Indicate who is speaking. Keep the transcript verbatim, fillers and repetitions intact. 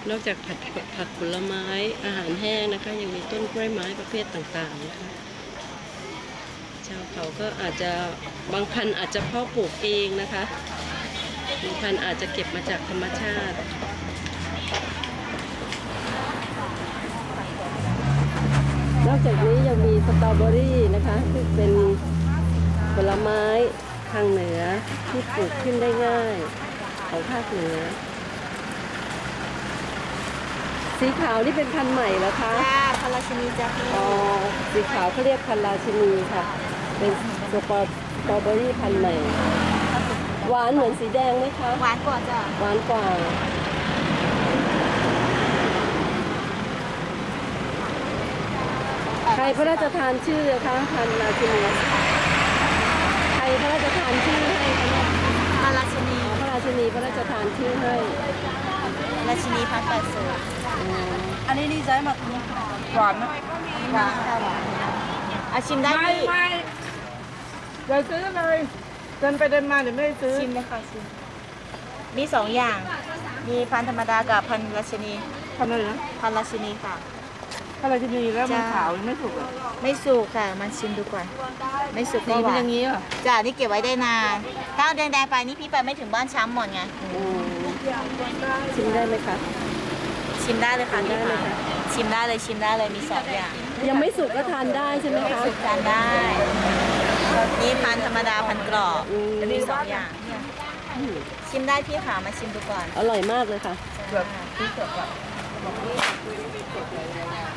Speaker 1: นอกจากผัดผักผลไม้อาหารแห้งนะคะยังมีต้นกล้วยไม้ประเภทต่างๆนะคะชาวเขาก็อาจจะบางพันธุ์อาจจะเพาะปลูกเองนะคะบางพันธุ์อาจจะเก็บมาจากธรรมชาตินอกจากนี้ยังมีสตรอเบอรี่นะคะที่เป็นผลไม้ทางเหนือที่ปลูกขึ้นได้ง่ายของภาคเหนือสีขาวนี่เป็นพันธุ์ใหม่เหรอคะ
Speaker 2: จ้าพันราชินีจ้าพี่
Speaker 1: อ๋อสีขาวเขาเรียกพันธุ์ราชินีค่ะเป็นสตรอสตรอเบอรี่พันธุ์ใหม่หวานเหมือนสีแดงไหมคะ
Speaker 2: หวานกว่าจ้า
Speaker 1: หวานกว่าใครพระราชทานชื่อคะพันธุ์ราชินีใครพระราชทานชื่อให้คะ
Speaker 2: พันราชินี
Speaker 1: พระราชินีพระราชทานชื่อให้
Speaker 2: ราชินีพันแปดสิบ
Speaker 3: อันนี้ดีใจมากหวานไหม
Speaker 2: หวานค่ะหวานอาชิมได้พี่
Speaker 3: ไม่เดี๋ยวซื้อเลยเดินไปเดินมาเดี๋ยวไม่ได้ซื้อ
Speaker 2: ชิมเลยค่ะชิมมีสองอย่างมีพันธรรมดากับพันราชินี
Speaker 3: พันอะไรนะ
Speaker 2: พันราชินีค่ะ
Speaker 3: พันราชินีแล้วมันขาวไม่สุกอ่ะ
Speaker 2: ไม่สุกค่ะมันชิมดูก่อนไม่สุก
Speaker 3: ดีเป็นอย่างนี้อ่ะ
Speaker 2: จ้านี่เก็บไว้ได้นานถ้าเอาแดงๆไปนี่พี่ไปไม่ถึงบ้านช้ำหมดไง
Speaker 1: ชิมได้ไหมคะ
Speaker 2: ชิมได้เลยค่ะพี่ค่ะชิมได้เลยชิมได้เลยมีสองอย่าง
Speaker 1: ยังไม่สุกก็ทานได้ใช่ไหมคะ
Speaker 2: สุกทานได้นี่พันธรรมดาพันกรอบมีสองอย่างชิมได้พี่ค่ะมาชิมดูก่อน
Speaker 1: อร่อยมากเลยค่ะ
Speaker 2: พี่เกิดก่อน